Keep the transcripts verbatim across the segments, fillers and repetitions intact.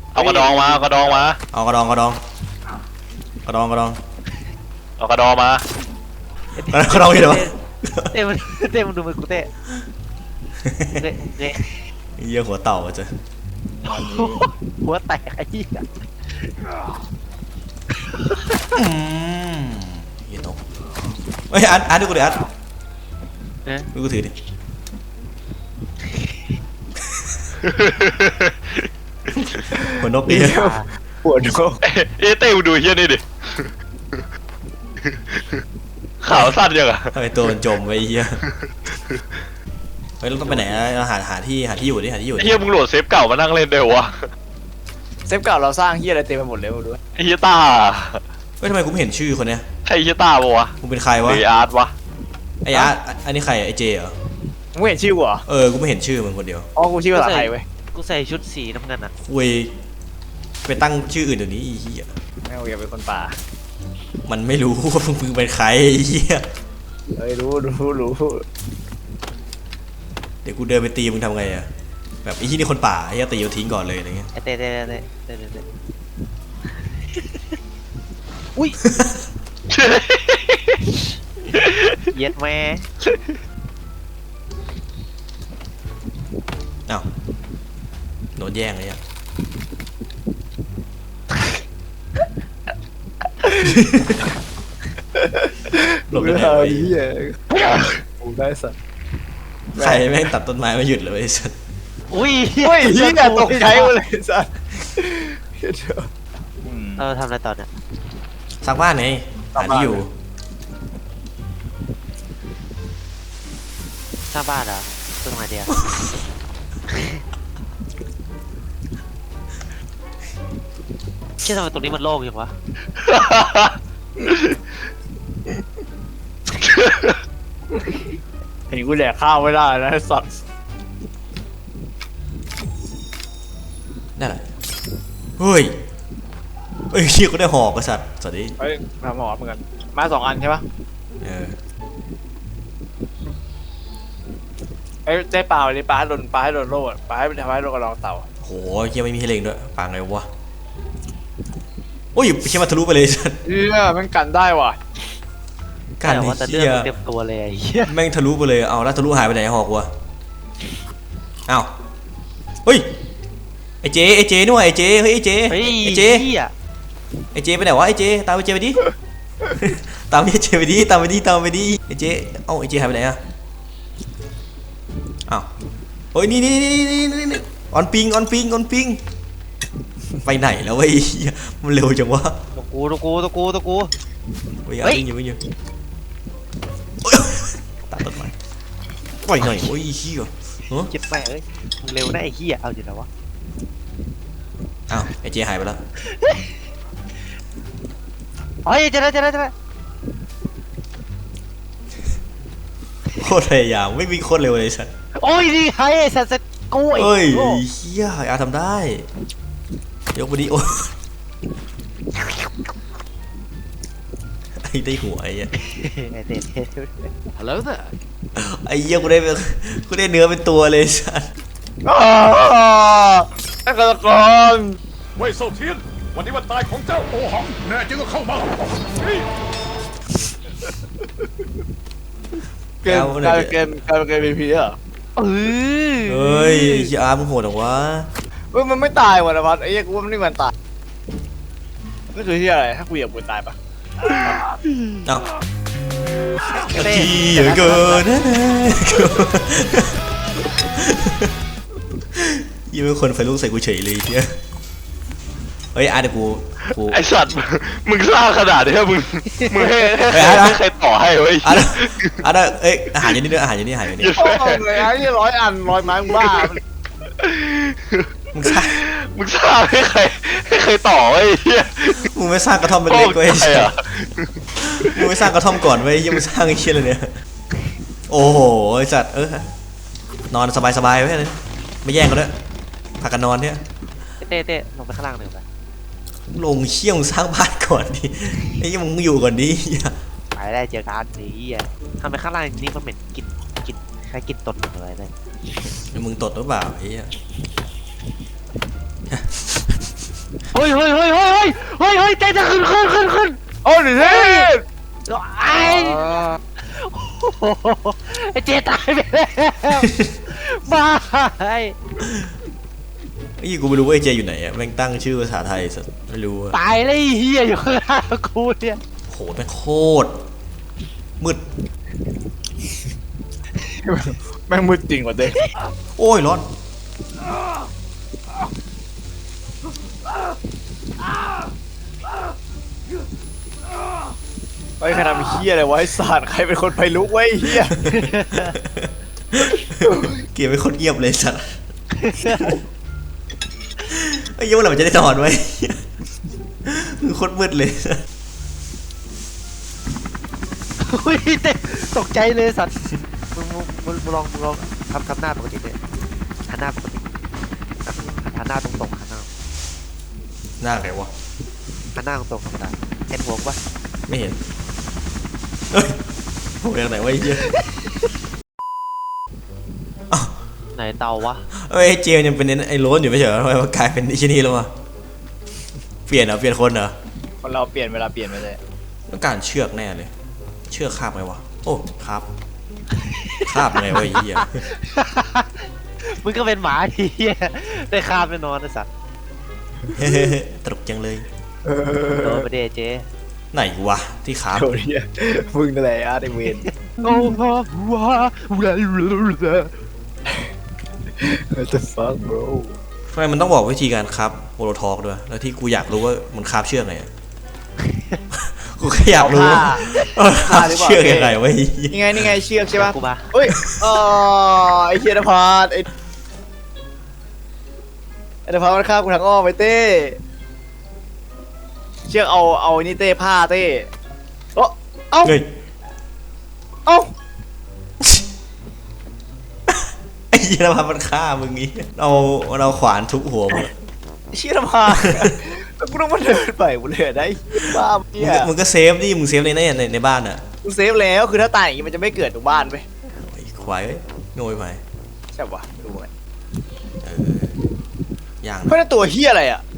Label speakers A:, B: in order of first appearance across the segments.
A: เอากระดองมาเอากระดองมา
B: เอากระดองกระดองกระดองกระดอง
A: เอากระดองมาก
B: ระดองอยู่ไหนวะ
C: เต้มันเต้มันดูมือกูเต้เต้เต้
B: เยี่ยหัวเต่าอ่ะเจ้
C: หัวแตกไอ้ยี่อะ
B: อืมเยี่ยตกเฮ้ยอัดอัดดูกูดิอัด
C: เนี่ย
B: ดูกูถือดิหัวนกดิ
D: ปวดหัว
A: เอ้เต้มึงดูเฮี้ยนี่ดิขาวสั้นยังอะ
B: ทำไมตัวมันจมไว้เหี้ยเฮ้ยเราต้องไปไหนเราหาหาที่หาที่อยู่ดิหาที่อยู่ดิ
A: เฮี้ยมึงโหลดเซฟเก่ามานั่งเล่นได้วะ
D: เซฟเก่าเราสร้างเฮียอะไรเต็มไปหมดเลยมาดู
A: ไอ้เฮี้ยต้า
B: เฮ้ยทำไมกูไม่เห็นชื่อคนเนี้ย
A: ใช่เฮี้ยต้าปะวะ
B: กูเป็นใคร
A: ห
B: วะ
A: รืออาร์ตวะ
B: ไอ้อาร์ตอันนี้ใครไอ้เจเหรอ
D: มึงเห็นชื่อกูเหรอ
B: เออกูไม่เห็นชื่อมึงคนเดียว
D: อ๋อกูชื่อภาษาไทยเว้ย
C: กูใส่ชุดสีน้ำเงินอ่ะ
B: คุยไปตั้งชื่ออื่นเดี๋ยวนี้อีเหี้ย
D: แม่งอย่าเป็นคนป่า
B: มันไม่รู้ว่ามึงเป็นใครไอ้เหี้ย
D: เฮ้ยรู้รู้รู้
B: เดี๋ยวกูเดินไปตีมึงทำไงอะแบบไอ้ที่นี่คนป่าไอ้เหี้ยตีโยทิ้งก่อนเลยอะไรเงี้ย
C: ไอ้เต้เต้เต้เต้เต้เต้อุ้ยเย็ดแม่
B: อ้าวโดนแย่งเลยอะหลบได้ไงวะ
D: เฮียกูได้สัตว์
B: ใครแม่งตัดต้นไม้มาหยุดเลยไอ้สัส
C: อุ้ย
D: เฮ้ยเฮียตกใจหมดเลยสัตว์
C: เราทำอะไรต่อเนี่ย
B: สร้างบ้านไงหาที่อยู่
C: สร้างบ้านเหรอตรงไหนเดียวเชื่อทำไมตรงนี้มันโล่งอย่างวะ
D: เห็นกูแดกข้าวไม่ได้นะสัตว์
B: นั่นแหละเฮ้ยเฮ้ยเชี่ยกูได้หอกกระสัตว์สวัสดี
D: เฮ้ยมาหมอเหมือนกันมาสองอันใช่ปะ
B: เออ
D: เอ้ยได้ปลาเลยปลาโดนปลาให้โดนโล่ปลาให้ทำให้โดนกระรองเต่า
B: โหเชี่ยไม่มีให้เล็งด้วยปางไงวะโอ้ยเชี่ยมาทะลุไปเลยสัส
D: เฮียมันกันได้ว่ะ
B: การ
C: แต่
B: ที่
C: ว่าแต่เลือ
B: เชี่
C: ด
B: ย
C: มันเต็มตัวเลยไอ้เหี้ย
B: แม่งทะลุไปเลยเอาแล้วทะลุหายไปไหนหอกวะอ้าวเฮ้ยไอเจไอเจนี่หว่าไอเจเฮ้ยไอเจ
C: เฮ้ย
B: ไอเจ
C: เหี้ย
B: ไอเจไปไหนวะไอเจตามไอเจไปดิ ตามไอเจไปดิตามไปดิตามไปดิไอเจเอ้าไอเจหายไปไหนอะอ้าวเฮ้ยนี่นี่นี่นี่นี่นี่ออนปิงออนปิงออนปิงไปไหนแล้ววะไอ้เหี้ยมันเร็วจังวะ
C: ตัวกูตัวกูตัวกูตัวกู
B: วิ่ง
C: เฮ้ย
B: วิ่งอยู่วิ่งอยู่โอ๊ยตัดต้นไม้ไปไหนโอ้ยเหี้ยเฮ้ย
C: เจ็บแม่เอ้ยมึงเร็วนะไอ้เหี้ยเอาอยู่แล้ววะ
B: อ้าวไอเจหายไปแล้ว
C: เฮ้ยเจะได้เจะได้เจะได้
B: โคตรพยายามไม่วิ่งโคตรเร็วเลยสัส
C: โอ้ยนี่ไงไอ้สัตว์สัตว์กูไอ้
B: เอ้ย
C: โง่
B: เฮียอาทำได้ยกไปดิโอ้ไอ้ได้หัวไอ้เหี้ย
C: ไอ้เต้เต้
D: Hello there
B: ไอ้เหี้ยกูได้กูได้เนื้อเป็นตัวเลยสัส
D: ไอ้กระกร
E: เว่ยเซาเทียน วันนี้วันตายของเจ้าโอหัง แน่จริงก็เข้ามาเฮ้ย
D: เกมกลายเป็นเกมกลายเป็นเกมพีพีเหรอ
C: เออ
B: เฮ้ยเฮียอาร์มึงโหดเหรอวะ
D: เฮ้ยมันไม่ตายว่ะนะพัดไอ้เหี้ยกูว่ามันไม่มันตายนี่คือที่อะไรถ้ากูเหยียบกูตายปะ
B: เอ้า
C: เต้
B: ขี้เหลือเกินนะยี่เป็นคนไฟลุกใส่กูเฉยเลยเฮียเฮ้ยอาร์เดี๋ยวกูกู
A: ไอสัตว์มึงสร้างขนาดนี้มึงมึงให้ให้
B: เฮ้ยอาร์ต
A: ให้ใครต่อให้เว้ย
B: อาร์เดี๋ยวอาร์เดี๋ยวเอ้ยอาหารอยู่นี่ด้วยอาหารอยู่นี่อาหารอยู่นี่
D: โอ้ยเลยไอ้ที่ร้อยอันร้อยไม้มึงบ้า
B: มึงสร้าง
A: มึงสร้างให้ใครให้ใครต่อไอ้เหี้ย
B: มึงไม่สร้างกระท่อมเป็นเล็กๆไว้
A: โอ้ยใช่อะ
B: มึงไม่สร้างกระท่อมก่อนไว้ยังไม่สร้างไอ้เชี่ยเลยเนี่ยโอ้โหไอ้สัตว์เออนอนสบายๆไว้เลยไม่แย่งกันด้วยพากันนอนเนี่ย
C: เต้เต้ลงไปข้างล่างหนึ่งไป
B: ลงเชี่ยมึงสร้างบ้านก่อนดิไอ้ยังมึงอยู่ก่อนดิ
C: ไปได้เจอกันไอ้เหี้ยทำไมข้างล่างนี่มันเหม็นกลิ่นกลิ่นคล้ายกลิ่นตดอะไรเลย
B: มึงตดหรือเปล่าไอ้เหี้ย
C: ฮ้ยเฮ้ยเฮ้ยเฮ้ยเฮ้ยเฮ้ยใจจะขึ้นขึ้นขึ้นขึ้น
D: โอ้ดิเซ่
C: ไอ้ไอ้เจตายไปแล้วบ้าไอ้
B: ไอ้ยี่กูไม่รู้ว่าไอ้เจอยู่ไหนอะแม่งตั้งชื่อภาษาไทยสัสไม่รู้อะ
C: ตายเลยเฮียอยู่ข้างหน้ากูเนี่ย
B: โหแม่งโคตรมืด
D: แม่งมืดจริงว่ะเต้
B: โอ้ยร้อน
D: ไอ้ยใครทำเฮียอะไรวะไอ้สัตว์ใครเป็นคนไฟลุกไว้ไอ้เฮีย
B: เกียร์เป็นคนเงียบเลยสัสไอ้ยี่ว่าเราจะได้นอนไว้คือโคตรมืดเลย
C: อุ้ยเต้ตกใจเลยสัตว์มึงมึงมึงมึงลองมึงลองทำทำหน้าปกติเลยหันหน้าปกติหันหน้าตรงตรงหันหน้า
B: หน้าไงวะ
C: หันหน้าตรงตรงธรรมดาเห็นหัวปะ
B: ไม่เห็นเฮ้ยโหอย่างไหนวะไอ้เหี้ย
C: ไหนเตาวะ
B: เอ้ยไอ้เจมยังเป็นไอ้โรนอยู่ไม่ใช่เหรอทำไมมันกลายเป็นไอ้ชนีแล้ววะเปลี่ยนเหรอเปลี่ยนคนเหรอ
D: คนเราเปลี่ยนเวลาเปลี่ยนไปเลย
B: ต้องการเชือกแน่เลย เชือกคาบไงวะโอ้คาบคาบไงวะไอ้เหี้ย
C: มึงก็เป็นหมาทีเฮียได้คาบไปนอนนะสัตว์
B: ตลกจังเลย
C: โดนไปเดเจ
B: ไหนวะที่คาบ
D: โดนเฮียมึงนั่นแหละอาร์ตไอเวน
C: โง่พ่อว้าอะไร
D: จะฟัง bro
B: ทำไมมันต้องบอกวิธีการคาบโฮโลทอกด้วยแล้วที่กูอยากรู้ว่ามันคาบเชือกไงอะ กูแค่อยากรู้ว่าคาบเชือกยังไงวะไอ้เหี้ย
D: นี่ไงนี่ไงเชือกใช่ปะ
C: กูมา
D: เฮ้ยอ๋อไอเชียนพาร์ไอไอนพาร์มันฆ่ากูทางอ้อมไปเต้เชือกเอาเอานี่เต้ผ้าเต้เอ้าเอ้า
B: เฮ้ย
D: เอ้า
B: ไอ้เหี้ยมันมันฆ่ามึงงี้เอาเราขวานทุบหัวมึง
D: ไอ้เชียนพาร์แล้วกูต้องมาเดินไปกูเลยได้บ้า
B: มึง
D: เนี่ย
B: ก็มึงก็เซฟดิมึงเซฟในในในในบ้านอ่ะ
D: กูเซฟแล้วคือถ้าตายอย่างงี้มันจะไม่เกิดตรงบ้านไป
B: ไอ้ควายเอ้ยโง่ไป
D: ใช่ปะดูไง
B: เออย่าง
D: เพราะนั่นตัวเฮียอะไรอ่ะ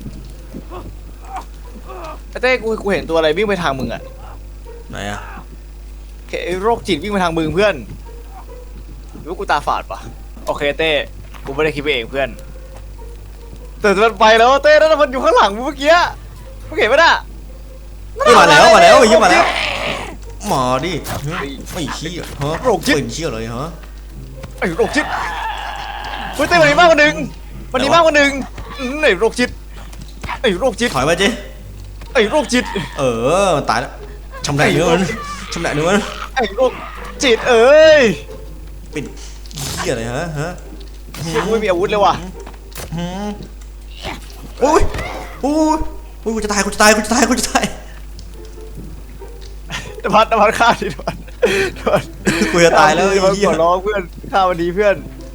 D: ไอ้เต้กูกูเห็นตัวอะไรวิ่งไปทางมึงอ่ะ
B: ไหนอ่ะ
D: ไอ้โรคจิตวิ่งไปทางมึงเพื่อนหรือว่ากูตาฝาดปะโอเคเต้กูไม่ได้คิดไปเองเพื่อนแต่มันไปแล้วเต้นั่นมันอยู่ข้างหลังมึงเมื่อกี้มึงเห็นปะน่ะ
B: เฮ้ยมาแล้วมาแล้วไอ้เหี้ยมาแล้วมาดิไม่เชี่ยฮะเป็นเชี่ยเลยฮะ
D: ไอ้โรคจิตเฮ้ยเต้มันมีมากกว่าหนึ่งมันมีมากกว่าหนึ่งอืมไอ้โรคจิตไอ้โรคจิต
B: ถอยมาเจ๊
D: ไอ้โรคจิต
B: เออมันตายแล้วชำแหละเนื้อมันชำแหละเนื้อมัน
D: ไอ้โรคจิตเอ้ย
B: เป็นเชี่ยอะไรฮะฮะ
D: เชี่ยกูไม่มีอาวุธเลยว่ะ
B: หืมโอ้ยโอ้ยโอ้ยกูจะตายกูจะตายกูจะตายกูจะตาย
D: นภัสนภัสฆ่าดินภัสนภัส
B: กูจะตายแล้วไอ้
D: นภัส
B: เหี้ย
D: ขอร้องเพื่อนฆ่าวันนี้เพื่อน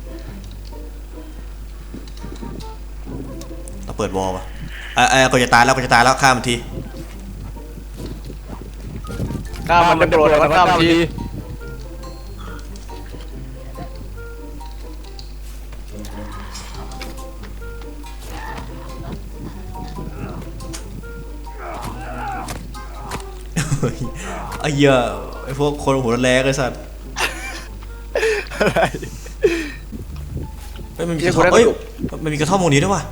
B: เราเปิดวอลป่ะเออเออกูจะตายแล้วกูจะตายแล้วฆ่ามันที
D: ฆ่ามันจะโกรธนภัสฆ่ามันที
B: เฮ้ยไอ้เหี้ยไอ้พวกคนหัวแรงไอ้สัตว์
D: อะไร
B: เฮ้ยมันมีกระท่อมเฮ้ยมันมีกระท่อมตรงนี้ด้วยว่ะ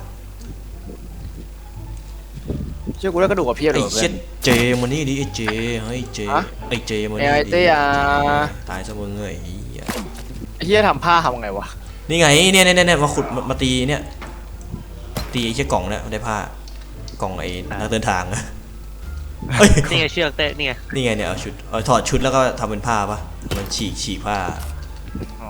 D: เชื่อกูได้กระดูกกับเพียบเล
B: ไอ้
D: ย
B: เช็ดเจมันนี่ดิไอ้เจเฮ้ยเจ
D: ฮะ
B: ไอ้เจมันนี่
D: ไอ้
B: ดิ
D: เต้อะ
B: ตายซะมึงเอ้ยไอ้เหี้ย
D: ไอ้เฮียทำผ้าทำไงวะ
B: นี่ไงเนี่ยเนี่ยเนี่ยมาขุดมามาตีเนี่ยตีไอ้เชี่ยกล่องเนี่ยได้ผ้ากล่องไอ้นักเดินทางอะเฮ้ย
C: นี่ไงเชือกเต้นี่ไง
B: นี่ไงเนี่ยเอาชุดเอาถอดชุดแล้วก็ทำเป็นผ้าปะมันฉีกฉีกผ้า
D: อ๋อ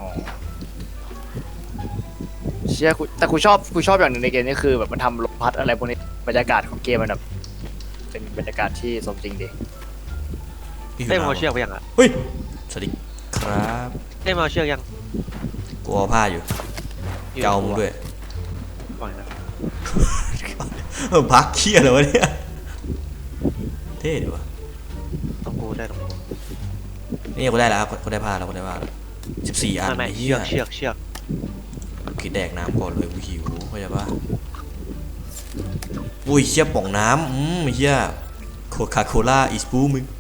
D: เชื่อกูแต่กูชอบกูชอบอย่างหนึ่งในเกมนี้คือแบบมันทำลมพัดอะไรพวกนี้บรรยากาศของเกมมันแบบเป็นบรรยากาศที่สมจริงดี
B: พี่
C: เต้
B: หิว
C: มาเอา
B: น้ำ
C: เชือกไปยังอ่ะ
B: เฮ้ยสวัสดีครับ
C: เต้มาเอาเชือกยัง
B: กูเอาผ้าอยู่เกามึงด้วย
C: ปล่อยนะ
B: เออพักเคี้ยเลยวะเนี่ยเท่ดีวะ
C: ต้องกูได้ต้องกู
B: นี่กูได้แล้วครับกูได้ผ้าแล้วกูได้ผ้าแล้วสิบสี่อัน
C: ไม่ไม่
B: ไอ้
C: เชื
B: เหี้ย
C: อกเชือกเชือก
B: คิดแดกน้ำก่อนเลยกูหิวเข้าใจปะอุ้ยเชี่ยป่องน้ำอืมเชี่ยโคคาโคล่าอีสปูมึง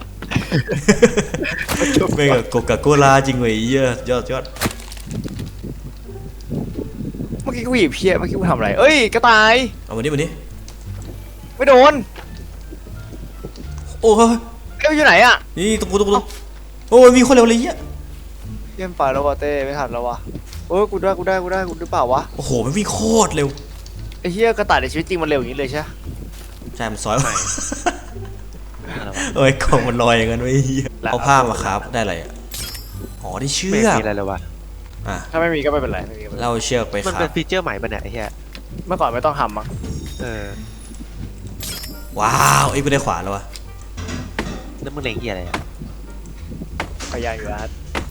B: ไม่กับโคคาโคล่าจริงเว้ยเหี้ยยอดยอด
D: เมื่อกี้กูหยิบเพี้ยเมื่อกี้กูทำอะไรเอ้ยกระต่าย
B: เอามานี่มานี่
D: ไม่โดน
B: โอ้ย
D: เอ้ยอยู่ไหนอะ
B: นี่ตุ๊กตุ๊กตุ๊กโอ้ยมีคนเร็วเลยเหี้ย
D: เยี่ยมไปแล้ววะเต้ไม่ทันแล้ววะโอ้ยกูได้กูได้กูได้กูหรือเปล่าวะ
B: โอ้โหมันวิ่งโคตรเร็ว
D: ไอ้เหี้ยกระต่ายในชีวิตจริงมันเร็วอย่างนี้เลยใช่ไหม
B: ใช่มันซอย
C: อะไรวะ
B: โอ้ยกล่องมันลอยอย่างนั้นไว้เหี้ยเอาผ้ามาครับได้อะไรอ่ะอ๋อได้เชื
C: ไม่
B: อก
C: มีอะไรเลยวะ
B: อ่ะ
D: ถ้าไม่มีก็ไม่เป็นไรไม่มีก็ไม่เป็นไร
B: เราเชือกไป
C: มัน
B: ครั
C: เป็
B: บ
C: นฟีเจอร์ใหม่ปะเนี่ยไอ้เหี้ย
D: เมื่อก่อนไม่ต้องทำมั้ง
C: เออ
B: ว้าวไอ้ยกูได้ขวานแล้ววะ
C: แล้วมึงเล็งเหี้ยอะไรอะ
D: พยายามอยู่แล้ว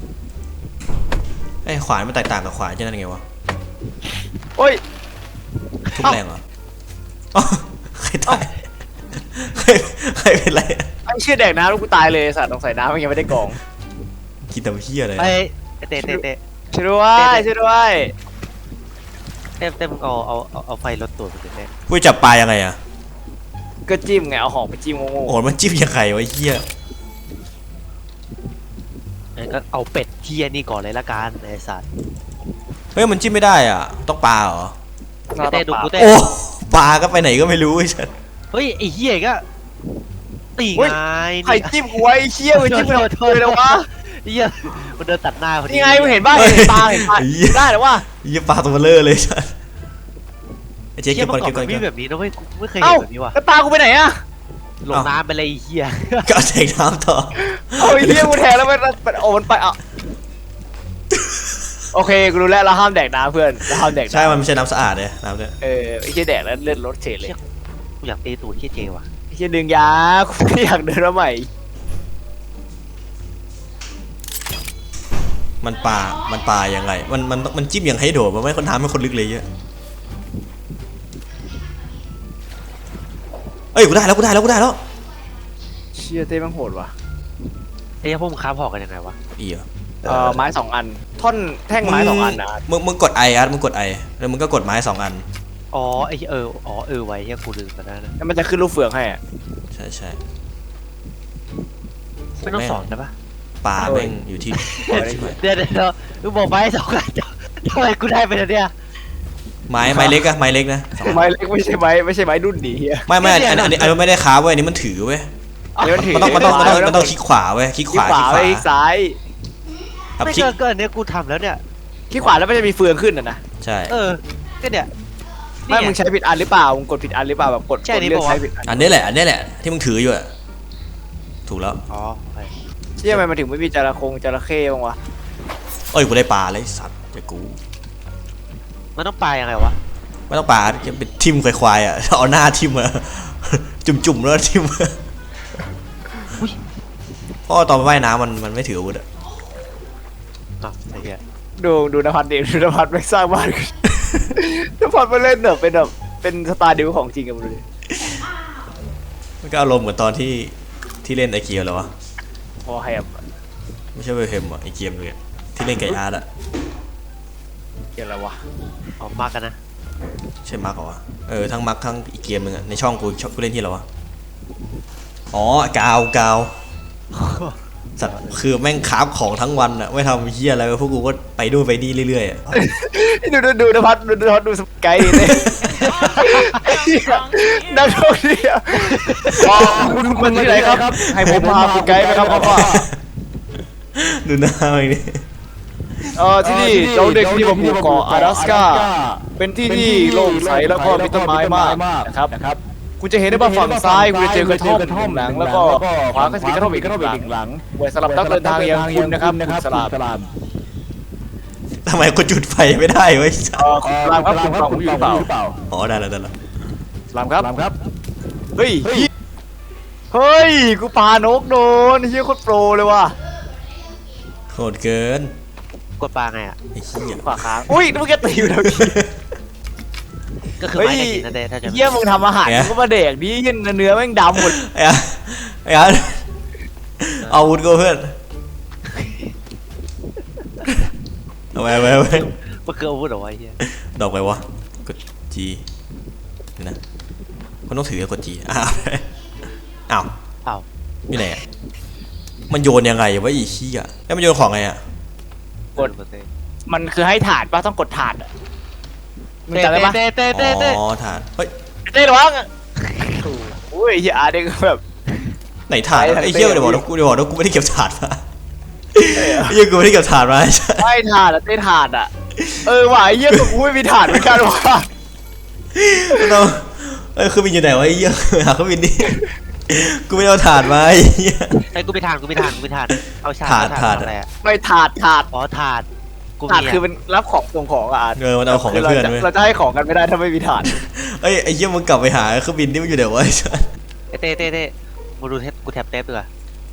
B: ไอ้ยขวานมันแตกต่างกับขวานใช่นั่นไงวะ
D: โอ้ย
B: ทุบ
D: เอ้า
B: แรงเหรออ๋อใครตายใครใครเป็นไรอะ
D: ไอ้เชี่ยแดกน้ำแล้วกูตายเลยสัตว์ต้องใส่น้ำมันยังไม่ได้กรอง
B: กินแต่เหี้ยอะไร
C: ไอ้เต้เต้เต้
D: ช่วยด้วยช่วยด้วย
C: เต้เต้มึงเอาเอาเอาเอาไฟลดตัวมึงดิเต้
B: กูจับปลายังไงอ่ะ
D: ก็จิ้มไงเอาหอกไปจิ้มโง่
B: โอ้โหมันจิ้มยังไงวะไอ้เหี้ย
C: งั้นก็เอาเป็ดเหี้ยนี่ก่อนเลยละกันไอ้สัตว์
B: เฮ้ยมันจิ้มไม่ได้อ่ะต้องปลาเหรอ
D: ๆเรา
C: เต้
D: ต้อง
C: ดู
D: ปา
C: กูเต้
B: โอ้ปลาก็ไปไหนก็ไม่รู้ไอ้ฉัน
C: เฮ้ยไอ้เหี้ยก็ตีไง
D: ใครจิ้มกูไว้ไอ้เชี่ยมันจิ้มไปโดนเลยวะ
C: ไอ้เหี้ยมันเดินตัดหน้าพอดี
D: นี่ไงมึงเห็นบ้างเห็นปลาเห็นปลาได้หรือวะ
B: ไอ้เหี้ยปลาตัวเบลอเลยฉันไอ้เจ๊
C: เหี้
B: เก็
C: ย
B: บก่อน
C: เมื่อก่
B: เก็
C: อบ น
B: ก่อน
C: มัน
B: เก็บก่อน
C: มีแบบนี้นะเว้ยกูไม่เคย
D: เอ้า
C: เห็นแบบนี้ว่ะ
D: แล้วปลากูไปไหนอะ
C: ลงน้ำไปเลยไอ้เหี้ย
B: ก็เอาแทงน้ำต่อ
D: เอาไอ้เหี้ยกูแทงแล้วมันมันโอ้มันไปอ่ะโอเคกูรู้แล้วเราห้ามแดกน้ำเพื่อนเราห้ามแดกน้ำ
B: ใช่มันไม่ใช่น้ำสะอาดเลยน้ำเนี่ย
D: เออไอ้เหี้ยแดกแล้วเลือดลดเฉยเลย
C: กูอยากตีตูดเหี้ยเจว่ะ
D: ไอ้เหี้ยดึงยากูไม่อยากเดินมาใหม่
B: มันปลา มันปลายังไง มัน มัน มันจิ้มอย่างให้โดดมันไม่คนทำให้คนลึกเลยเยอะเอ้ย กูได้แล้ว กูได้แล้ว กูได้แล้ว
D: เชี่ยเต้แม่งโหดว่ะ
C: ไอ้เหี้ยพวกมึงค้าพอกันยังไงวะ
B: อีเหรอ
D: เออไม้สองอัน ท่อนแท่งไม้สองอันนะ
B: มึง มึงกดไออาร์ตมึงกดไอแล้วมึงก็กดไม้สองอัน
C: อ๋อไอ้เหี้ยเอออ๋อเออไว้เหี้ยกูลืมไปแล้วนะ
D: แล้วมันจะขึ้นลูกเฟืองให้อะ
B: ใช่ใช่
C: ไม่ต้องสอนนะปะ
B: ปลาแม่งอยู่ที่
C: เดี๋ยวเดี๋ยวมึงบอกไม้สองอันทำไมกูได้ไปแล้วเนี่ย
B: ไม้ ไม้เล็กอะไม้เล็กนะสองอัน
D: ไม้เล็กไม่ใช่ไม้ไม่ใช่ไม้ดุนดีเฮีย
B: ไม่ไม่อันอันอันนี้อันนี้ไม่ได้ค้าเว้ยอันนี้มันถือเว้ย
D: อันนี้มันถือ
B: มันต้อง มันต้อง มันต้อง มันต้องคลิกขวาเว้ย คลิก
D: ค
B: ข
D: ลิก
B: วา
D: ขวาไปคลิกซ้าย
B: ครับ
C: ไม่
B: คลิก
C: เกินเกินเนี่ยกูทำแล้วเนี่ย
D: คลิกขวาแล้วมันจะมีเฟืองขึ้นอ่ะนะ
B: ใช่
C: เออก็เนี่ย
D: ไม่มึงใช้ผิดอันหรือเปล่ามึงกดผิดอันหรือเปล่าแบบกด
C: ใช่
D: กด
C: นี่
D: เลือก
C: บอกว่า
D: ใช้ผิดอัน
B: อันนี้แหละ อันนี้แหละ ที่มึงถืออยู่อะถูกแล้ว
C: อ๋อไป
D: เชี่ยทำไมมันถึงไม่มีจระคงจระเข้บ้างวะ
B: เอ้ย กูได้ปลาเลยสัตว์จะกู
C: มันต้องปลายังไงวะ
B: ไม่ต้องปลาจะเป็นทิมควายๆอ่ะ เอาหน้าทิมมา จุ่มๆแล้วทิมมาเพราะว่าตอนว่ายน้ำมันมันไม่ถืออาวุธอ่ะ
C: อ๋อไอ้เหี้ย
D: ดูดูนภัสเดดูนภัสไม่สร้างบ้าน นภัสมาเล่นแบบเป็นแบบเป็นสตาร์ดิวของจริงกันเลย
B: มันก็อารมณ์เหมือนตอนที่ที่เล่นไอเกียร์แล้ววะ
D: พอแฮม
B: ไม่ใช่เวลเฮมอ่ะไอเกียร์เลยอะที่เล่นไก่อาร์ตอ่ะ
D: เกี่ยวอะไรวะ
C: ออกมากันนะ
B: ใช่มาร์กเหรอวะเออทั้งมาร์กทั้งอีกเกมหนึงอ่ะในช่องกูชอบกูเล่นที่อะไรวะอ๋อกาวกาวสัตว์คือแม่งคราฟของทั้งวันอ่ะไม่ทำเฮียอะไรพวกกูก็ไปดูนไปนี่เรื่อยๆอ่ะ
D: ดูดูดูนภัสดูนภัสดูสกายเลยนักท่องเที่ยวคุณคุณที่ไหนครับให้ผมพาคุณไกด์ไหมครับพ่อ
B: ดูหน้าไอ้นี่
D: เออที่นี่เราเด็กที่ผมอยู่เกาะ阿拉斯าเป็นที่ที่โล่งใสแล้วก็มีต้นไม้มากนะครับคุณจะเห็นได้ว่าฝั่งซ้ายคุณจะเจอกระท่อมหนึ่งหลังแล้วก็ขวาก็จะมีกระท่อมอีกหนึ่งหลังไว้สำหรับนักเดินทางอย่างคุณนะครับคุณสลาม
B: ทำไมกูจุดไฟไม่ได้เว้ย
D: เออคุณสลามครับคุณฟังผมอยู่หรือเปล่า
B: อ๋อได้แล้วได้แล้ว
D: สลามครับครับเฮ้ยเฮ้ยกูปานกโดนเฮียโคตรโปรเลยว่ะ
B: โหดเกิน
C: กดปลาไงอ่ะ
B: ไอ้เหี้ย
D: ขวาค้างอุ้ยนึกว่าแกตีอยู่แล้วกี้
C: ก็คือ
D: เฮ้ย
C: ไม้ตะกินนั่นเองถ้าจะ
D: เฮียมึงทำอาหารมึงก็มาเด็กดิเหี้ยเนื้อแม่งดำหมด
B: ไอ้อาร์ตไอ้อาร์ตเอาอาวุธกูเพื่อนเอาไปเอาไปเอาไป
C: มันคืออาวุธเหรอวะไอ้เหี้ย
B: ดอกไปวะกด G นี่นะมันต้องถือกดจีอ้าวอ้าว
C: อ้าว
B: อยู่ไหนอะมันโยนยังไงวะอีขี้อ่ะแล้วมันโยนของไงอ่ะ
D: กด มันคือให้ถาดป่ะต้องกดถาดอะมึง
C: เต้
D: จำได้ปะ
C: เต้เต้เต้เต้
B: อ๋อถาดเฮ้ย
D: เต้ระวังอุ้ยเฮียอาร์เด็กแบบ
B: ไหนถาด
D: ไปทาง
B: ไอ้เหี้ย
D: เต้
B: เดี๋ยวบอกนะกูเดี๋ยวบอกนะกูไม่ได้เก็บถาดมาไอ้เหี้ยกูไม่ได้เก็บถาดมาใช่
D: ไม่ถาดอะเต้ถาดอะเออว่ะไอ้เฮียกูไม่มีถาดเหมือนกันว่ะ
B: เราเอ้ยเครื่องบินอยู่ไหนวะไอ้เหี้ยหาเครื่องบินดิกูไม่ได้เอาถาดมาไอ้เหี้ย
C: ไอ้กูไปทานกูไปทานกูไปทานเอาชา
B: ถาดถาด
C: อะไรอะ
D: ไม่ถาดถาด
C: อ๋อถาดกู
D: ถาด
C: มี
D: คือเป็นรับของส่งของอะอาร์ต
B: เออมันเอาของให้
D: เรา
B: เพื่อน
D: จะ
B: เว้ย
D: เราจะให้ของกันไม่ได้ถ้าไม่มีถาด
B: เอ้ยไอ้เหี้ยมึงกลับไปหาเครื่องบินที่มันอยู่ไหนวะไอ้สัส
C: ไอ้เต้เต้เต้มาดูเทปกูแท็บเทปดีกว่า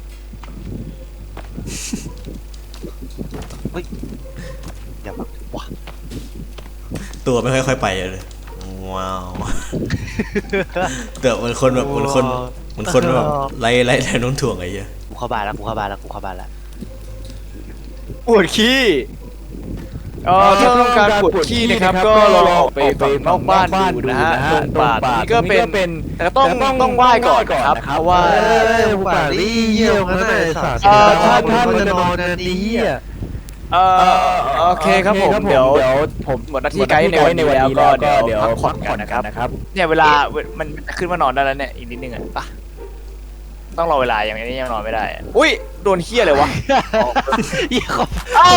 C: เฮ้ยเดี๋ยวว้า
B: ตัวไม่ค่อยๆไปเลยว้าวเดี๋ยวมันคนแบบมันคนมันคนแบบไล่ไล่แรงโน้มถ่วงไอ้เหี้ย
C: กูเข้าบ้านแล้วกูเข้าบ้านแล้วกูเข้าบ้านแล้ว
D: ปวดขี้เออถ้าต้องการปวดขี้นะครับก็ลองออกไปฝั่งนอกบ้านดูนะฮะตรงป่าตรงนี้ก็เป็นแต่ต้องต้องไหว้ก่อนนะครับเพราะว่า
C: กูป่าลี่เยี่ยมนะไอ้สัตว์
D: เออถ้าถ้า
C: มันจะนอนกันดีอ่ะ
D: เออโอเคครับผมเดี๋ยวผมหมดหน้าที่ไกด์ในวันนี้แล้วก็เดี๋ยวพักผ่อนกันนะครับเนี่ยเวลามันจะขึ้นมานอนได้แล้วเนี่ยอีกนิดนึงอ่ะปะต้องรอเวลาอย่างนี้ยังนอนไม่ได้อะอุ้ยโดนเคี้ยเลยวะ
C: เยี่ยม
D: เอ้า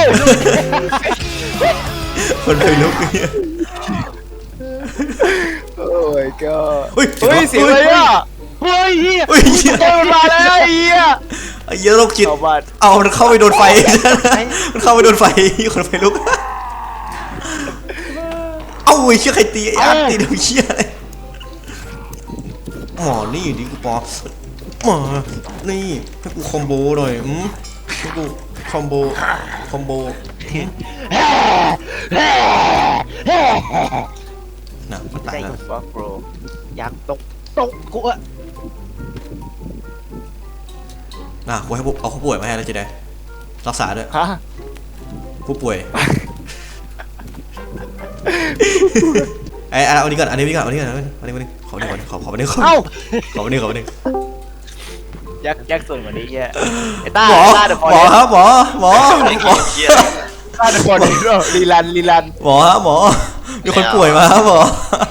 B: คนไปลุกไอ้เหี้ย
D: โอ้ยก็
B: เฮ้ย
D: เฮ้ยเสียงอะไรอ่ะ
C: เฮ้ยเฮีย
B: เฮ้ยเหี้ย
D: เจอมันมาแล้วไอ้เหี้ย
B: ไอ้เหี้ยโรคจิต
D: เอาบ้าน
B: เอามันเข้าไปโดนไฟมันเข้าไปโดนไฟคนไปลุกเอ้าไอ้เชี่ยใครตีไอ้อาร์ตตีเดี๋ยวเชี่ยอะไรอ๋อนี่ดิกูปอมานี่ให้กูคอมโบหน่อยอืมให้กูคอมโบคอมโบน่ะมันตายแล้ว
D: ฟักโบร
C: ยังตกตกกูอะ
B: น่ะกูให้ผู้เอาผู้ป่วยมาให้แล้วจะได้รักษาด้วย
D: ฮะ
B: ผู้ป่วยไอ้เอาอันนี้ก่อนอันนี้ก่อนอันนี้ก่อนอันนี้ก่อนอันนี้ขออันนี้ก่อนขอขออันนี้ขอ
D: เอ้า
B: ขออันนี้ขออันนี้
D: ยักยักส่วนกว่านี้เหี้ยไอ้ต้า
B: หมอ
D: ต้าเดอะ
B: หมอครับหมอหมอหมอ
D: ต้าเดอะบอลลีลันลีลัน
B: หมอครับหมอมีคนป่วยมาครับหมอ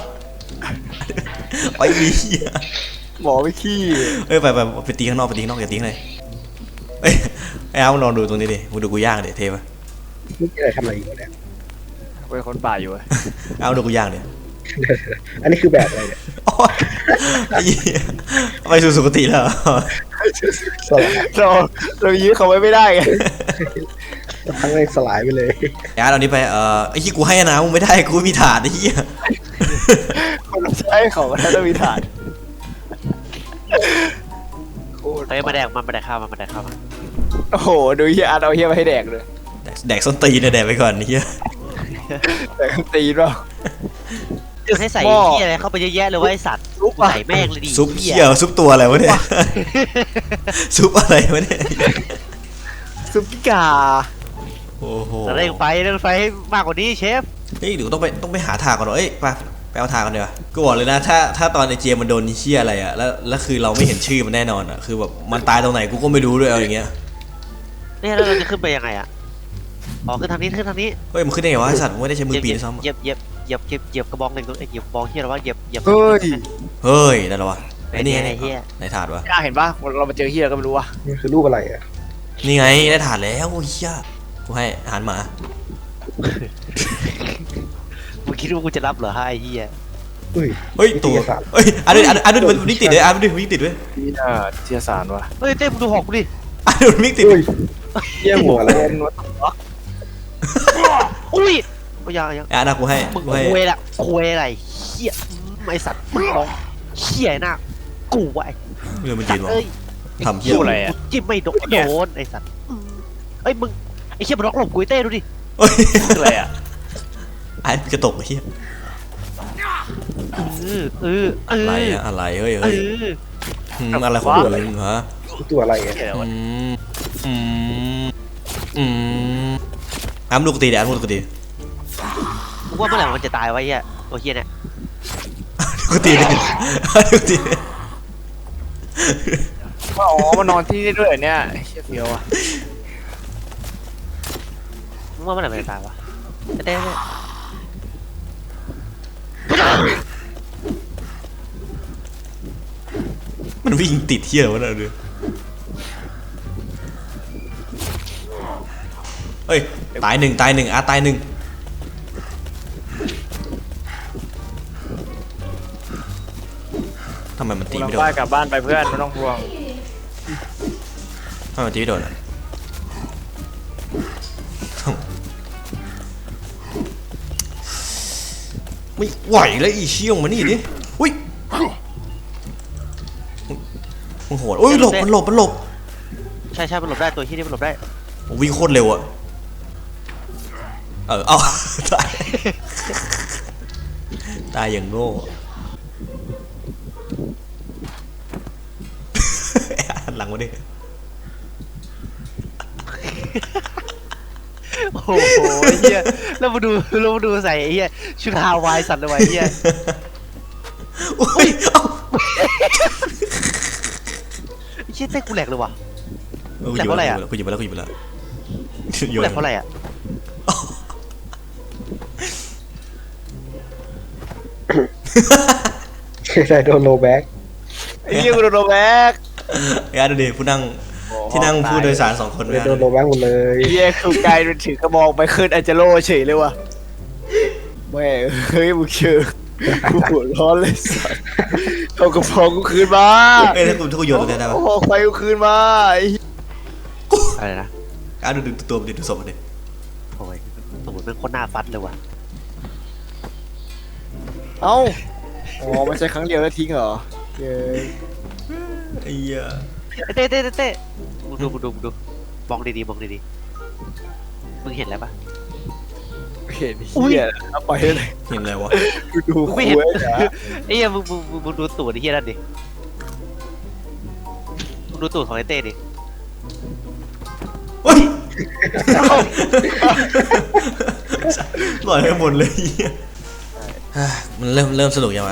B: ไอ้เหี้ย
D: หมอไม่ขี้
B: เอ้ยไปไปไปตีข้างนอกไปตีข้างนอกอย่าตีข้างในเอ้ยไอ้เอามึงลองดูตรงนี้ดิมึงดูกูย่างดิเทปะ
F: นี่อะไรทำอะไรอยู่เนี่ย
D: เป็นคนป่าอยู่
B: เอาดูกูย่างดิ
F: อันนี้คือแบบอะไรเนี่ย
B: โอ๊ยไอ้เหี้ยไปสู่สุคติแล้ว
F: สลาย
D: เราเรายื้อเขาไว้ไม่ได้ไง
F: ทั้งเลยสลายไปเลย
B: ไอ้อาร์ตเอานี้ไปเอ่อไอ้ที่กูให้นะมึงไม่ได้กูไม่มีถาดไอ้เหี้ย
D: คนเราใช้ของมันต้องมีฐานโคตร
C: เฮ้ยมาแดกมันมาแดกข้าวมันมาแดกข้าวมัน
D: โอ้โหดูเฮียอาร์ตเอาเฮียมาให้แดกเลย
B: แดกแดกส้นตีนเนี่ยแดกไปก่อนไอ้เหี้ย
D: แดกตีนเปล่า
C: คือให้ใส่
D: หม้อ
C: เหี้ยอะไรเข้าไปเยอะแยะเลยว่าไอสัตว์
D: ซุปอะ
C: ใส่แม่งเลยดิ
B: ซุปเหี้ยซุปตัวอะไรวะเนี่ยซุปอะไรวะเนี่ย
D: ซุปกิกา
B: โอ้โห
C: เร่งไฟเร่งไฟให้มากกว่านี้เชฟ
B: เฮ้ยเดี๋ยวต้องไปต้องไปหาถาดก่อนเหรอเอ้ยไปไปเอาถาดก่อนเดี๋ยวากูบอกเลยนะถ้าถ้าตอนไอเจมมันโดนเชี่ยอะไรอะแล้วแล้วคือเราไม่เห็นชื่อมันแน่นอนอะคือแบบมันตายตรงไหนกูก็ไม่รู้ด้วยเอาอย่างเงี้ย
C: เนี่ยแล้วเราจะขึ้นไปยังไงอะอ๋อขึ้นทางนี้ขึ้นทางนี้
B: เฮ้ยมันขึ้นได้ไงวะไอ้สัตว์มึงไม่ได้ใช้มือปีนซ้ำ
C: เหยียบเหยียบเหยียบเหยียบเหยียบกระบองหนึ่งตัวเหยียบกระบองเฮียหรอวะเหยียบเหยียบ
D: เฮ้ย
B: เฮ้ยได้แล้ววะ
C: ไอ้
B: ไอ้
C: นี่
B: นี่
C: ไง
B: ไง
C: เฮีย
B: ไหนถาดวะ
D: อ่ะเห็นปะเรามาเจอเฮียก็ไม่รู้ว่ะ
F: นี่คือรูปอะไรอ่ะ
B: นี่ไงได้ถาดแล้วโอ้ยเหี้ยกูให้อาหารหมา
C: มึงคิดว่ากูจะรับเหรอฮะไอ้เฮีย
F: อุ้ย
B: เฮ้ยตัว
F: วิทยาศาสตร์
B: เฮ้ยอันนี้อันนี้อันนี้มันวิ่งติดเลยอันนี้มันวิ่งติดด้วย
D: นี่น่าเทียสารว่ะ
C: เฮ้ยเต้มึงดูหอกกูดิ
B: อันนี้มันวิ่งติด
F: อุ้ยเยี่ยหัวอะไรอะ
C: อุ้ยก็ยังยัง
B: อ่ะนะกูให้
C: มึง
B: กูให้
C: คุยละคุยอะไรเฮียไอสัตว์มึงมองเฮียหน้ากูวะไอ้
B: เรื่องมันยืนวะ
C: เอ้ย
B: ทำเหี้ย
D: พูดอะไรอ่ะ
C: จิ้มไม่โดนโดนไอสัตว์เอ้ยมึงไอเฮียมันล็อกหลบกูไอ้เต้ดูดิ
B: เฮ้ย
D: อะไรอ่ะ
B: ไอ้กระตกไอ้เหี้ย
C: เออเออเอ
B: อะไร
C: อ
B: อะอะไรเฮ้ย
C: เอ
B: เฮ้ย
C: อ
B: อืมอะไรของมึงฮะ
F: ตัวอะไรอ่ะ
D: เฮียอะไร
B: อื
D: วะ
B: มอืมอืมอ้ำลูกตีเดี๋ยวอ้ำลูกตี
C: กูว่าเมื่อไหร่มันจะตายวะไอ้เฮียตัวเฮียเนี่ย
B: กูตีเลยกูตีเลย
D: อ๋อมานอนที่นี่ด้วยเหรอเนี่ยเชี่ยเฟียวอะ
C: มึงว่าเมื่อไหร่มันจะตายวะเต้เต้
B: มันวิ่งติดเที่ยวะเนี่ยดูเฮ้ยตายหนึ่งตายหนึ่งอาตายหนึ่งทำไมมันตี
D: เรา
B: ไม่โดน
D: บ้านกลับบ้านไปเพื่อนไม่ต้องห่วง
B: ทำไมมันตีไม่โดนอ่ะไม่ไหวแล้วอีเชี่ยงมานี่ดิอุ้ยมึงโหดอุ้ยหลบมันหลบมันหลบ
C: ใช่ใช่มันหลบได้ตัวที่นี่มันหลบได้
B: วิ่งโคตรเร็วอะเออเอาตายตายอย่างโง่หันหลังมาดิ
C: โอ้โหไอ้เฮียแล้วมาดูแล้วมาดูใส่ไอ้เฮียชุดฮาวายสัตว์เลยว่ะไอ้เฮีย
B: อุ้ยเอ้า
C: ไอ้เชี่ยเต้กูแหลกเลยว่ะ
B: เออกูหยิบ
C: แหลกเพราะอะไรอะ
B: แล้วกูหยิบแล้วกูหยิบแล้ว
C: กูแหลกเพราะอะไรอ่ะ
F: ใช่โดนโลแบ็ก
D: ไอ้เหี้ยกูโดนโดนแบก
B: ไอ้อาดูดิผู้นั่งที่นั่งผู้โดยสารสองคน
F: เลย
B: เนี่ย
F: โดนโลแบ็กหมดเลย
D: ไอ้เหี้ยคือกลายเป็นถือกระบอกไปขึ้นอาจจะโลเฉยเลยว่ะแม่เฮ้ยมึงเชื่อกูหัวร้อนเลยสัสเอากระเพาะกูคืนมา
B: เอ้ยถ้ากูถ้ากูโยนตรงนี้ได้ปะ
D: เอากระเพาะไฟกูคืนมาไอ้เหี้ย
C: อะไรนะ
B: อาดูดูตัวมันดิดูศพมันดิ
C: โอ้ยสมมติเป็นคนหน้าฟัดเลยว่ะ
D: เอ้าอ๋อมันใช้ครั้งเดียวแล้วทิ้งเหรอเย้ย
B: ไอ้เหี้ย
C: ไอ้เต้เต้เต้เต้มึงดูมึงดูมึงดูมองดีๆมองดีๆมึงเห็นอะไรปะ
D: เห็นเหี้ยเอาไปเลย
B: เห็นอะไรวะ
D: กูดู
C: กู
D: คุ
C: ไม่
D: ย
C: เห็น
D: นะ
C: ไอ้เหี้ยมึงมึงมึงมึงดูตูดไอ้เหี้ยนั่นดิมึงดูตูดของไอ้เต้ดิ
B: เฮ้ยปล่อยให้หมดเลยไอ้เหี้ยอ่ะมันเริ่มเริ่มสนุกยังไง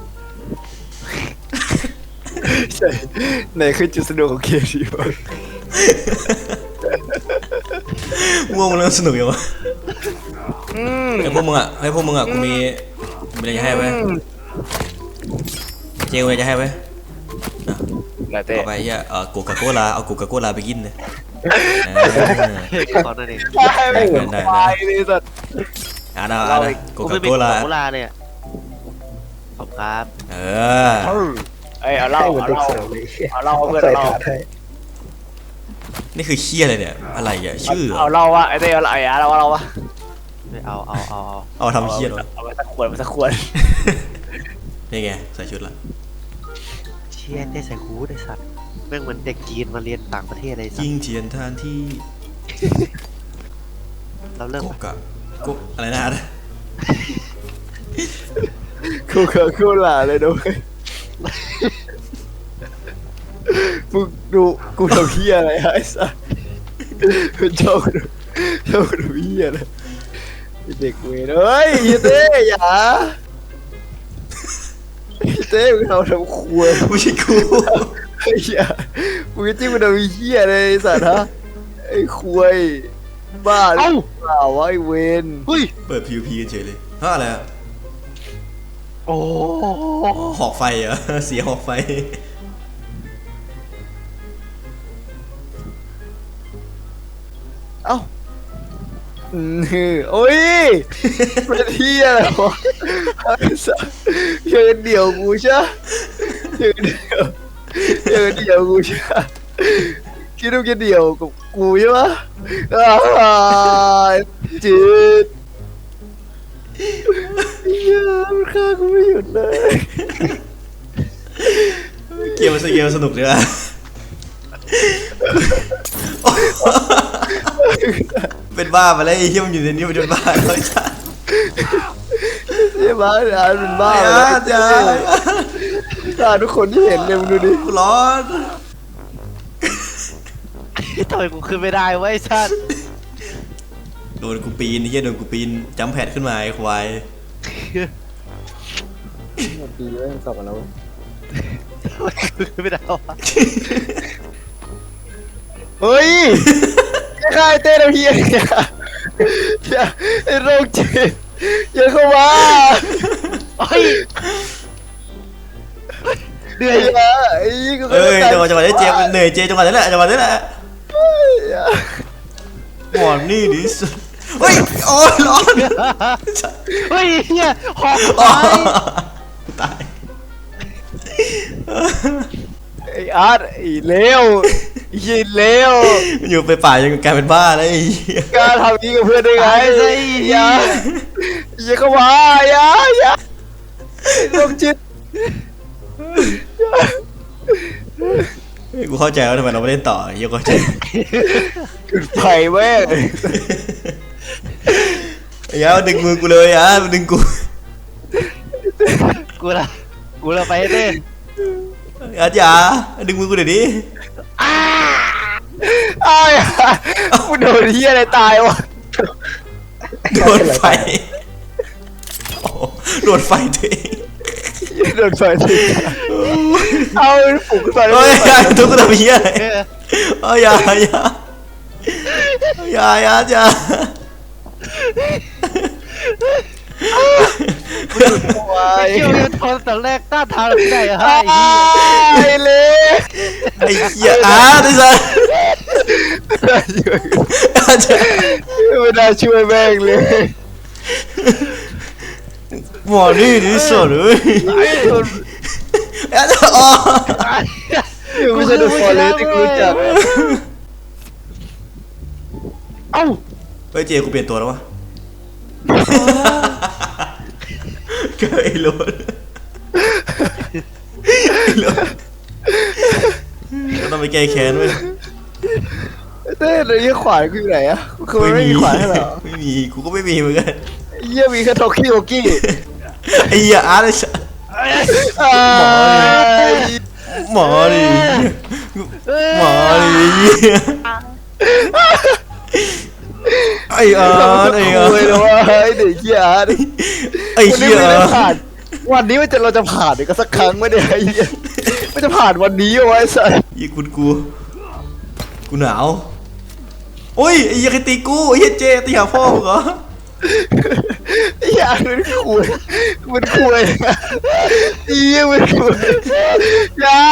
D: ใช่ไหนคือจุดสนุกของเกมดีวะ
B: ง่วงมันเริ่มสนุกยังวะ
D: อืม
B: ไอ้พวกมึงอ่ะไอ้พวกมึงอ่ะกูมีมีอะไรจะให้ไว้เจลมีอะไรจะให้ไว้
D: ไหนเต้
B: เอาไปเฮียเออโกกาโกลาเอาโกกาโกลาไปกินเลยเออ
C: เฮ้ยตอนนั้นเอง
D: ใช่ไม่เหมือนควายเลยสัตว์
B: อ่านะอ่านะโก
C: กู
B: กา
C: ไม่เป็น
B: โกลา
C: โกลาเลยอ่ะขอบครับ
B: เออ
D: เอ้ยเอาเหล้า
F: ให้เหมือน
D: เอา
F: เด็ก
D: เหล้า
F: เสิร์ฟเลย
D: เอาเหล้าเพื่อน
F: ใส่
D: เอาเหล้า
F: ถาดให้
B: นี่คือเคี้ยอะไรเนี่ยอะไรอ่ะชื่อเหร
D: เอา
B: อ
D: เหล้าวะไอ้เต้เอาเหล้าไอ้อาเอาเหล้าวะ
C: ไม่เอาเอาเอาเอา
B: เอาทำเคี้ยเหรอ
D: เอาไปสักขวดมาสักขวด
B: นี่ไงใส่ชุดละ
C: เชี่ยเต้ใส่ฮูดไอ้สัตว์แม่งเหมือนเด็กจีนมาเรียนต่างประเทศเลยสัต
B: ยิง
C: ว์
B: เทียนทานที่
C: เราเริ่ม
B: โกกะโกอะไรนะ
D: กูเกิดกูหล่าเลยด้วยมึงดูกูทำเหี้ยอะไรไอ้สัสกูชอบดูชอบดูเหี้ยเลยไอ้เด็กเวรเฮ้ยไอ้เต้อย่าไอ้เต้มึงทำทำครัว
B: ไม่ใช่กู
D: ไอ้เหี้ยมึงจะจิ้มมันทำเหี้ยเลยไอ้สัตว์ฮะไอ้ควยบ้าหรือเปล่าวะไอ้เวน
C: เฮ้ย
B: เปิด พี วี พี เฉยเลยฮะอะไรอ่ะ
C: โอ้
B: อ๋อหอกไฟเหรอ เสียหอกไฟ
D: เอ้าอืมโอ้ยเป็นเหี้ยอะไรวะไอ้สัสเชิญเดี่ยวกูใช่เชิญเดี่ยวเชิญเดี่ยวกูใช่คิดว่าจะเดี่ยวกับกูใช่ปะอ่าจืดเหี้ยมันฆ่ากูไม่หยุดเลย
B: เกมมันสเกมสนุกดีว่ะ เป็นบ้าไปแล้วไอ้เหี้ยมันอยู่ในนี้มันเป็นบ้าแล้วจ้า
D: ใช่ไหมอ่านเป็นบ้า
B: ไอ้
D: ไป
B: อา
D: แล้ว
B: จ้า
D: อ่านทุกคนที่เห็นเลยมึงดูดิ
B: กูร้อน
C: ทำไมกูขึ้นไม่ได้วะไอ้สัตว์
B: โดนกูปีนไอ้เหี้ยโดนกูปีนจัมแพดขึ้นมาไอ้ควาย
F: ดีเว้ยกลับมาแล้ว
C: ไม่ได้วะ
D: เฮ้ยใครเต้นเพี้ยอย่าไอ้โรคจิตอย่าเข้ามา
C: เฮ้ยเหนื่อย
D: อย่าไอ้ยี่กู
B: เอ้ยจังหวะจังหวะนี้เจเหนื่อยเจจังหวะนี้แหละจังหวะนี้แหละหมอนนี่ดิสุดเฮ้ยโอ้ยร้อน
C: เฮ้ยเฮียหอก
B: อ๋อ
C: ตาย
B: ตาย
D: ไอ้อาร์ตไอ้เลวไอ้ยินเลว
B: อยู่ไปป่ายังกลายเป็นบ้าแล้วไอ้เหี้ย
D: กล้าทำนี้กับเพื่อนได้ไง
C: ตายซะไอ้
D: อ
C: เฮี
D: ย่าย อย่าเข้ามาอย่าอย่าโรคจิต
B: เฮ้ยกูเข้าใจแล้วทำไมเราไม่เล่นต่อเหี้ยเข้าใจ
D: จุดไฟแม่ง
B: ไอ้ยามันดึงมือกูเลยอ่ะมันดึงกู
C: กูละกูละไปให้เต้น
B: อาจารย์ดึงมือกูเดี๋ยวนี้
D: อ้าวกูโดนเฮียอะไรตายวะ
B: โดนไฟโอ้โหโดนไฟตัวเอง
D: โดนไฟทีเอาฝูงไฟ
B: เฮ้ยอย่าทุกคนทำเหี้ยอะไร
C: เออ
B: เอ้ยอย่าอย่าอย่าอย่าอย่า
C: ไอ้เชี่ยวเนี่ยทนแต่แรกต้านทานไม่ได้อะ
D: ไอ้
C: ไอ้เหี้ย
D: เล่
B: ไอ้เหี้ยอาร์ตไอ้สัสอาจารย์
D: ไม่น่าช่วยแม่งเลย
B: หมอนี่ดิสุดเลย
D: ไอ้คน
B: อาจารย์อ๋อ
D: ไม่ใช่โดนฟอร์เรสที่กูรู้จัก
C: เอ้า
B: เฮ้ยเจกูเปลี่ยนตัวแล้ววะเกิดไอ้โรนไอ้โรนเราต้องไปแก้แค้นเว้ย
D: เต้เลยยี่ขวานกูอยู่ไหนอะคือมันไม่มีขวานให้เหรอ
B: ไม่มีกูก็ไม่มีเหมือนกัน
D: เยี่ยมีแค่โทกี้โทกี้
B: ไอ้เหี้ยอาร์ตไอ้สัส หมอดิหมอดิไอ้อาร์ตไอ้อาร์
D: เลยนะว่าไอ้เด็กเหี้ยอาร์ต
B: ไอ้เหี้ย
D: วันนี้ไม่ได้ผ่านวันนี้มันจะเราจะผ่านอีกสักครั้งไม่ได้ไอ้เหี้ยไม่จะผ่านวันนี้เอาไว้สัส
B: ยี่คุณกูกูหนาวโอ้ยไอ้เหี้ยใครตีกูไอ้เหี้ยเจตีหาพ่อมึงเหรอ
D: ไอ้เหี้ยมันคุยมันคุยไอ้เหี้ยมันคุยยา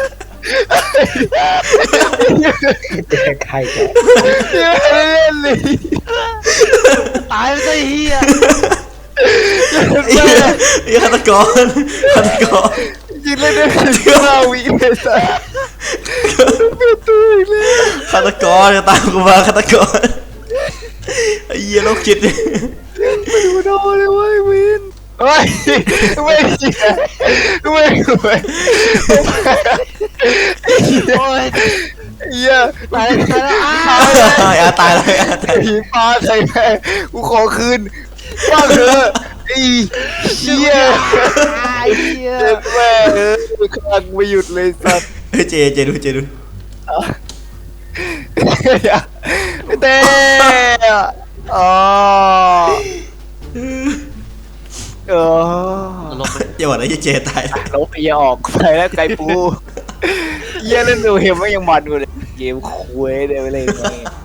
F: แจกไข่แก
D: เหี้ยเล่นเลย
C: ตายไปซะไอ้เฮีย
B: ไอ้เหี้ยไอ้ฆาตกรฆาตกร
D: ยิงเล่นได้ถึงห้าวิเลยสัสเป็นตัวอีกแล้ว
B: ฆาตกรจะตามกูมาฆาตกรไอ้เหี้ยโรคจิต
D: ไม่ดูโดนเลยเว้ยวินเฮ้ยไม่จริงไม่ไม่
C: โอ้ย
D: เหี้ย
C: ตายแล้วตายแล้วอ้า
B: ไอ้อาร์ตายแล้วไอ้อาร์ตตาย
D: ผีปลาใส่แม่กูขอคืนว่าเธอไอ้เหี้ย
C: ไอ้เฮีย
D: เจ็บแม่เออคลังไม่หยุดเลยสัตว์
B: เฮ้ยเจเจดูเจดู
D: เต้อ๋อเออ
C: ลงไป
B: อย่าบอกนะไอ้เจตาย
D: ลบไอ้ยาออกไปแล้วไก่ปูเยี่ยเล่นดูเห็มไม่ยังมันกูเลยเกมคุยเดี๋ยวไปเลย